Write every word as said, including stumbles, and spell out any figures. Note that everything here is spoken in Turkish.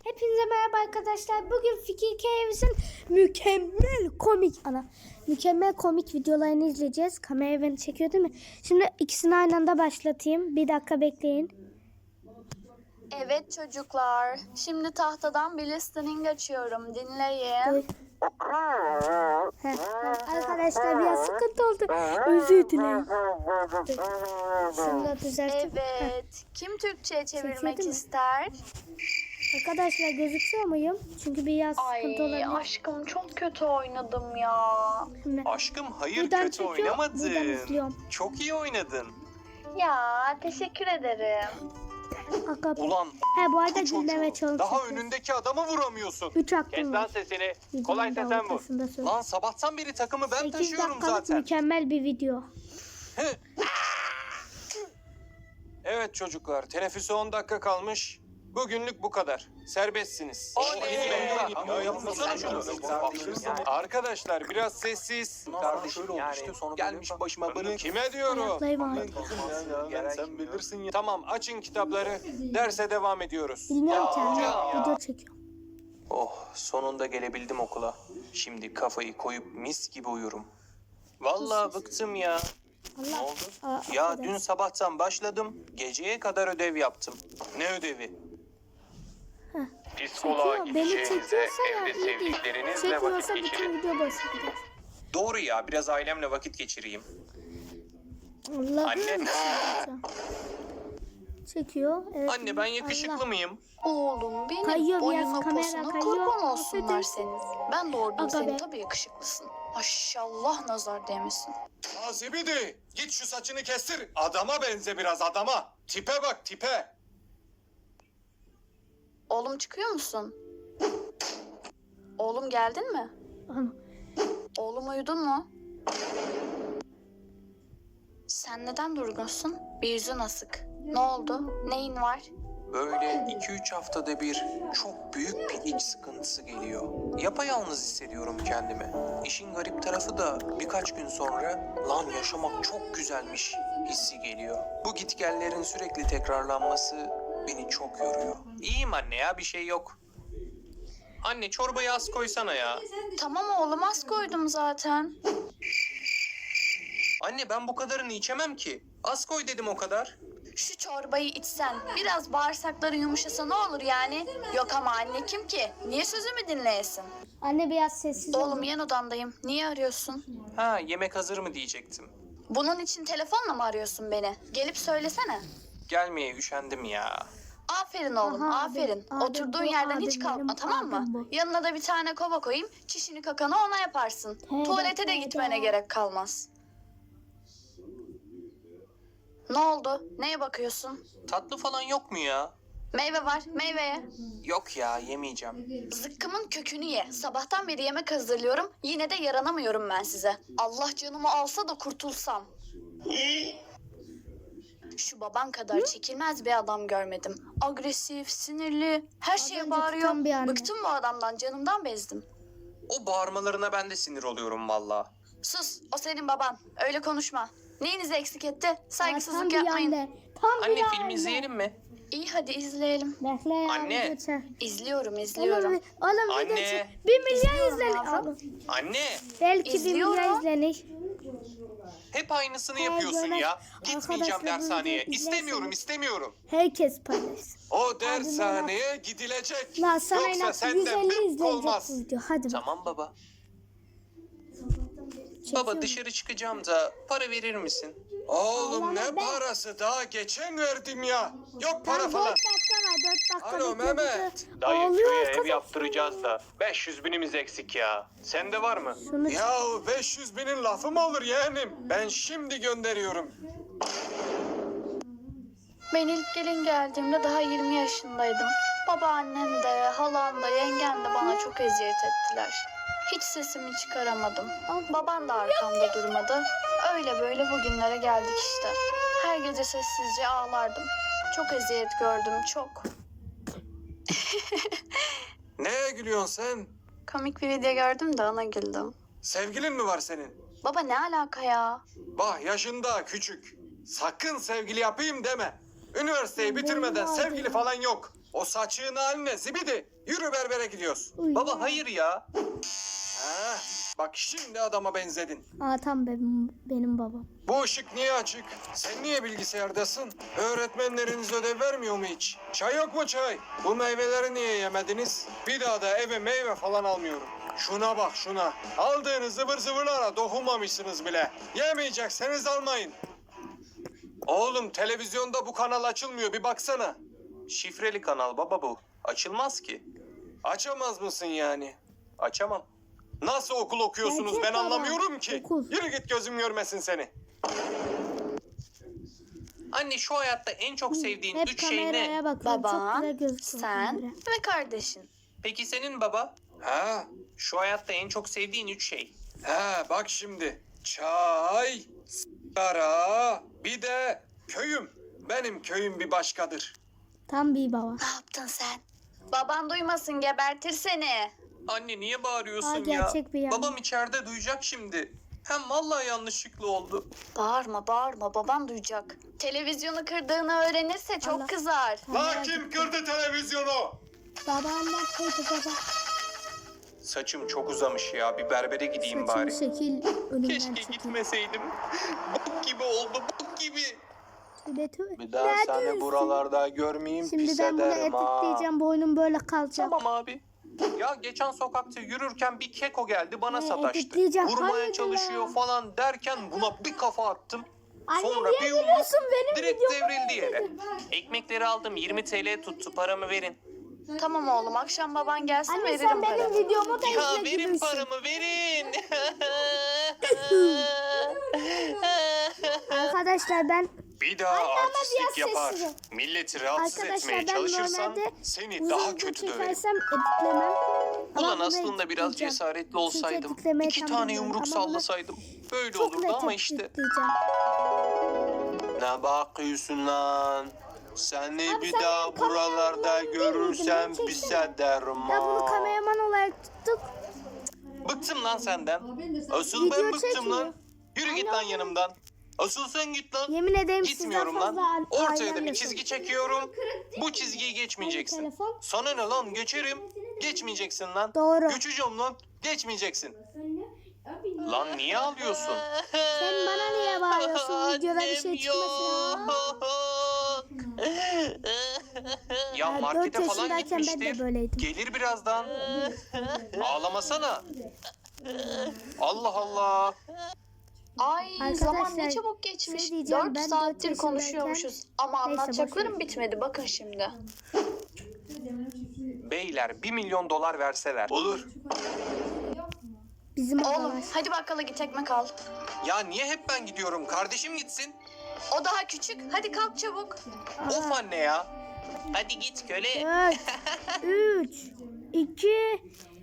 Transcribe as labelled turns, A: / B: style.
A: Hepinize merhaba arkadaşlar. Bugün Fikir Keyvis'in mükemmel komik ana mükemmel komik videolarını izleyeceğiz. Kamera beni çekiyor değil mi? Şimdi ikisini aynı anda başlatayım. Bir dakika bekleyin.
B: Evet çocuklar. Şimdi tahtadan bir listening açıyorum. Dinleyin.
A: Dur. Heh, arkadaşlar biraz sıkıntı oldu. Özür dilerim. Dur. Şimdi düzelteyim.
B: Evet. Kim Türkçe'ye çevirmek
A: Çekiyor değil mi?
B: ister?
A: Arkadaşlar gözüküyor muyum? Çünkü biraz sıkıntı
B: Ay
A: olabilir.
B: aşkım çok kötü oynadım ya.
A: Şimdi
C: Aşkım hayır
A: buradan
C: kötü
A: çekiyor,
C: oynamadın.
A: buradan izliyorum.
C: Çok iyi oynadın.
B: Ya teşekkür ederim.
A: Aga-
C: Ulan
A: He bu arada
C: bu çocuğu
A: dinleme challenge
C: daha
A: yapıyoruz.
C: önündeki adamı vuramıyorsun.
A: Üç
D: Kes
A: hakkım
D: lan
A: var.
D: sesini.
A: Videonun
D: Kolaysa
A: da
D: sen vur.
A: ortasında söyle.
C: Lan sabahtan beri takımı ben
A: sekiz
C: taşıyorum
A: dakikalık
C: zaten.
A: mükemmel bir video.
C: Evet çocuklar, teneffüse on dakika kalmış. Bugünlük bu kadar. Serbestsiniz. Arkadaşlar biraz sessiz.
D: Kardeşim yani
C: Gelmiş başıma bunu kime diyorum?
A: Ayaklayım abi.
C: Sen bilirsin ya. Tamam açın kitapları. Derse devam ediyoruz.
A: Bilmiyorum ki anne.
C: ya.
A: Video çekiyorum.
C: Oh sonunda gelebildim okula. Şimdi kafayı koyup mis gibi uyurum. Vallahi bıktım ya. Ne
A: Allah.
C: oldu?
A: Aa,
C: Ya
A: affedersin.
C: dün sabahtan başladım. Geceye kadar ödev yaptım. Ne ödevi?
D: psikoloğa
A: Çekiyor. Beni
D: gideceğinize
A: çekiyorsa ya
D: evde
A: iyi değil.
D: sevdiklerinizle
A: Çekmiyorsa
D: vakit
A: bütün
D: geçirin.
A: video boşa gider.
C: Doğru ya biraz ailemle vakit geçireyim.
A: Allah'ım.
C: Anne.
A: Çekiyor. Evet.
C: Anne ben yakışıklı
A: Allah.
C: mıyım?
B: Oğlum benim
A: Kayıyor biraz,
B: boyuna
A: kamera
B: posuna
A: kayıyor.
B: kurban olsunlar
A: Affedersin.
B: senin. Ben doğurdum
A: Aga
B: seni
A: be.
B: tabii yakışıklısın. Maşallah nazar değmesin.
C: Azibidi git şu saçını kestir. Adama benze biraz adama. Tipe bak tipe.
B: Oğlum çıkıyor musun? Oğlum geldin mi?
A: Ana.
B: Oğlum uyudun mu? Sen neden durgunsun? Bir yüzün asık. Ne oldu? Neyin var?
C: Böyle iki üç haftada bir çok büyük bir iç sıkıntısı geliyor. Yapayalnız hissediyorum kendimi. İşin garip tarafı da birkaç gün sonra lan yaşamak çok güzelmiş hissi geliyor. Bu gitgellerin sürekli tekrarlanması beni çok yoruyor. İyiyim anne ya bir şey yok. Anne çorbayı az koysana ya.
B: Tamam oğlum az koydum zaten.
C: Anne ben bu kadarını içemem ki. Az koy dedim o kadar.
B: Şu çorbayı içsen biraz bağırsakların yumuşasa ne olur yani? Yok ama anne kim ki? Niye sözümü dinleyesin?
A: Anne biraz sessiz ol.
B: Oğlum yan odamdayım. Niye arıyorsun?
C: Ha yemek hazır mı diyecektim.
B: Bunun için telefonla mı arıyorsun beni? Gelip söylesene.
C: Gelmeye üşendim ya.
B: Aferin oğlum,
A: Aha,
B: aferin.
A: abim,
B: Oturduğun
A: abim bu,
B: yerden hiç
A: abim
B: kalkma,
A: benim,
B: tamam mı?
A: abim bu.
B: Yanına da bir tane kova koyayım, çişini kakanı ona yaparsın.
A: He,
B: Tuvalete de
A: he,
B: gitmene
A: he.
B: gerek kalmaz. Ne oldu? Neye bakıyorsun?
C: Tatlı falan yok mu ya?
B: Meyve var, meyveye.
C: Yok ya yemeyeceğim.
B: Zıkkımın kökünü ye. Sabahtan beri yemek hazırlıyorum, yine de yaranamıyorum ben size. Allah canımı alsa da kurtulsam. Şu baban kadar çekilmez bir adam görmedim. Agresif, sinirli, her
A: Az
B: şeye
A: önce
B: bağırıyor.
A: tutan bir anne.
B: Bıktım bu adamdan, canımdan bezdim.
C: O bağırmalarına ben de sinir oluyorum valla.
B: Sus, o senin baban. Öyle konuşma. Neyinizi eksik etti?
A: Tam
B: Saygısızlık
A: bir
B: yapmayın.
A: anda. Tam bir
C: Anne
A: anda.
C: film izleyelim mi?
B: İyi hadi izleyelim.
A: Bekle ya.
C: Anne.
A: video çek.
B: İzliyorum,
A: Oğlum,
B: izliyorum.
A: oğlum
C: Anne.
A: video çek. Bir milyon
B: İzliyorum
A: izlenir.
B: yavrum.
A: Oğlum,
C: Anne
A: belki bir
B: İzliyorum.
A: milyon izlenir.
C: hep aynısını
A: Hayır,
C: yapıyorsun
A: böyle
C: ya. Gitmeyeceğim
A: arkadaşlar bu
C: dershaneye.
A: videoyu
C: İstemiyorum
A: izlerseniz-
C: istemiyorum.
A: Herkes paylaşsın.
C: O dershaneye gidilecek.
A: Lan sana
C: Yoksa
A: inat
C: senden
A: yüz elli
C: bir
A: izlenecek
C: olmaz.
A: bu video. Hadi bak.
C: Tamam baba.
A: Çekiyorum.
C: Baba dışarı çıkacağım da para verir misin? Oğlum
A: Allah'ım
C: ne
A: ben-
C: parası daha geçen verdim ya. Yok para
A: Lan
C: falan.
A: dört dakika var. Dört dakika.
C: Alo,
A: bekle,
C: Mehmet.
A: bekle.
D: Dayı
A: Ağlıyor
D: köye ev
A: arkadaş.
D: yaptıracağız da beş yüz binimiz eksik ya. Sende var mı?
A: Şunu
C: Ya beş yüz binin lafı mı olur yeğenim? Ben şimdi gönderiyorum.
B: Ben ilk gelin geldiğimde daha yirmi yaşındaydım. Babaannem de, halam da, yengem de bana çok eziyet ettiler. Hiç sesimi çıkaramadım. Baban da arkamda durmadı. Öyle böyle bugünlere geldik işte. Her gece sessizce ağlardım. Çok eziyet gördüm, çok.
C: Neye gülüyorsun sen?
B: Komik bir video gördüm de ona güldüm.
C: Sevgilin mi var senin?
B: Baba ne alaka ya?
C: Bah yaşında küçük. Sakın sevgili yapayım deme. Üniversiteyi bitirmeden
A: Vallahi
C: sevgili
A: ya.
C: falan yok.
E: O saçığın haline zibidi. Yürü berbere gidiyoruz.
A: Uy.
C: Baba hayır ya.
E: Ha, bak şimdi adama benzedin.
A: Aa tam benim, benim babam.
E: Bu ışık niye açık? Sen niye bilgisayardasın? Öğretmenleriniz ödev vermiyor mu hiç? Çay yok mu çay? Bu meyveleri niye yemediniz? Bir daha da eve meyve falan almıyorum. Şuna bak şuna. Aldığınız zıvır zıvırlara dokunmamışsınız bile. Yemeyecekseniz almayın. Oğlum televizyonda bu kanal açılmıyor bir baksana.
C: Şifreli kanal baba bu. Açılmaz ki.
E: Açamaz mısın yani?
C: Açamam.
E: Nasıl okul okuyorsunuz
A: Gerçek
E: ben
A: baba.
E: anlamıyorum ki.
A: Okul.
E: Yürü git gözüm görmesin seni.
C: Anne şu hayatta en çok sevdiğin
A: Hep
C: üç şey
A: kameraya
C: ne?
A: bakıyorum. Çok
B: Baban,
A: güzel gözüküyor
B: sen
A: kamera.
B: ve kardeşin.
C: Peki senin baba?
E: Ha,
C: Şu hayatta en çok sevdiğin üç şey.
E: ha bak şimdi. Çay, sigara, bir de köyüm. Benim köyüm bir başkadır.
A: Tam bir baba.
B: Ne yaptın sen? Baban duymasın, gebertir seni.
C: Anne niye bağırıyorsun
A: Aa,
C: ya?
A: gerçek bir yanlış.
C: Babam içeride duyacak şimdi. Hem vallahi yanlışlıkla oldu.
B: Bağırma bağırma, baban duyacak. Televizyonu kırdığını öğrenirse çok
A: Allah.
B: kızar.
E: La kim kırdı televizyonu?
A: Babaannem koydu baba.
C: Saçım çok uzamış ya. Bir berbere gideyim
A: Saçını
C: bari.
A: şekil önümden
C: Keşke
A: çekil.
C: gitmeseydim. Bok gibi oldu, bok gibi.
A: Tübe tübe.
C: Bir daha
A: Ne
C: seni
A: diyorsun?
C: buralarda görmeyeyim,
A: Şimdi
C: pis
A: ben bunu
C: ederim ha.
A: editleyeceğim. Boynum böyle kalacak.
C: Tamam abi. Ya geçen sokakta yürürken bir keko geldi bana
A: Ne,
C: sataştı.
A: editleyeceğim.
C: Vurmaya
A: Hayırdır
C: çalışıyor
A: ya?
C: falan derken buna bir kafa attım.
A: Anne
C: Sonra
A: niye
C: bir yumruk
A: gülüyorsun? Benim
C: direkt
A: videomu
C: devrildi yere.
A: izledin.
C: Ekmekleri aldım yirmi T L tuttu, paramı verin.
B: Tamam oğlum, akşam baban gelsin
A: Anne
B: veririm
A: sen benim
B: paranı.
A: videomu da
C: Ya
A: izle
C: verin
A: gülüyorsun.
C: paramı verin.
A: Arkadaşlar ben
E: Bir daha
A: biraz
E: artistlik yapar.
A: sessiz ol.
E: Milleti rahatsız
A: Arkadaşlar
E: etmeye
A: ben
E: çalışırsan
A: normalde
E: seni
A: uzun
E: daha
A: video
E: kötü döverim.
A: çekersem editlemem. Ama
C: Ulan
A: bunu
C: aslında biraz
A: editleyeceğim.
C: cesaretli
A: Çünkü
C: olsaydım.
A: editlemeyi
C: iki
A: tam
C: tane
A: bilmiyorum
C: yumruk
A: ama bunu
C: sallasaydım. Böyle
A: Çok
C: olurdu
A: net
C: ama işte.
A: editleyeceğim.
C: Ne bakıyorsun lan? Seni
A: Abi
C: bir
A: sen
C: daha
A: benim kameramı
C: buralarda
A: görmedin,
C: görürsem
A: beni
C: pis
A: çeksene.
C: ederim
A: Ya bunu
C: ha.
A: kameraman olarak tuttuk.
C: Bıktım lan senden. Asıl
A: Video
C: ben bıktım
A: çekmiyor.
C: lan. Yürü git lan yanımdan. Asıl sen git lan.
A: Yemin ederim
C: Gitmiyorum
A: sizden fazla
C: lan.
A: a-
C: Ortaya da
A: ailemle
C: bir çizgi çekiyorum. Bu çizgiyi geçmeyeceksin.
A: Telefon.
C: Sana ne lan geçerim. Geçmeyeceksin lan.
A: Doğru.
C: Geçeceğim lan. Geçmeyeceksin. Lan niye ağlıyorsun?
A: Sen bana niye bağırıyorsun? Videoda bir şey çıkmasın.
C: Ya
A: Ya
C: markete
A: dört
C: falan
A: yaşındayken ben de
C: gitmiştir.
A: böyleydim.
C: Gelir birazdan. Ağlamasana. Allah Allah.
B: Ay
A: Arkadaşlar,
B: zaman ne çabuk geçmiş.
A: şey diyeceğim,
B: Dört
A: ben dört
B: saattir
A: yaşındayken-
B: konuşuyormuşuz. Ama
A: Neyse,
B: anlatacaklarım
A: boş ver.
B: bitmedi. Bakın şimdi.
C: Beyler bir milyon dolar verseler. Olur.
A: Bizim
B: Oğlum
A: odalar.
B: hadi bakkala git ekmek al.
C: Ya niye hep ben gidiyorum? Kardeşim gitsin.
B: O daha küçük. Hadi kalk çabuk.
C: Of anne ya. Hadi git köle.
A: dört, üç, iki,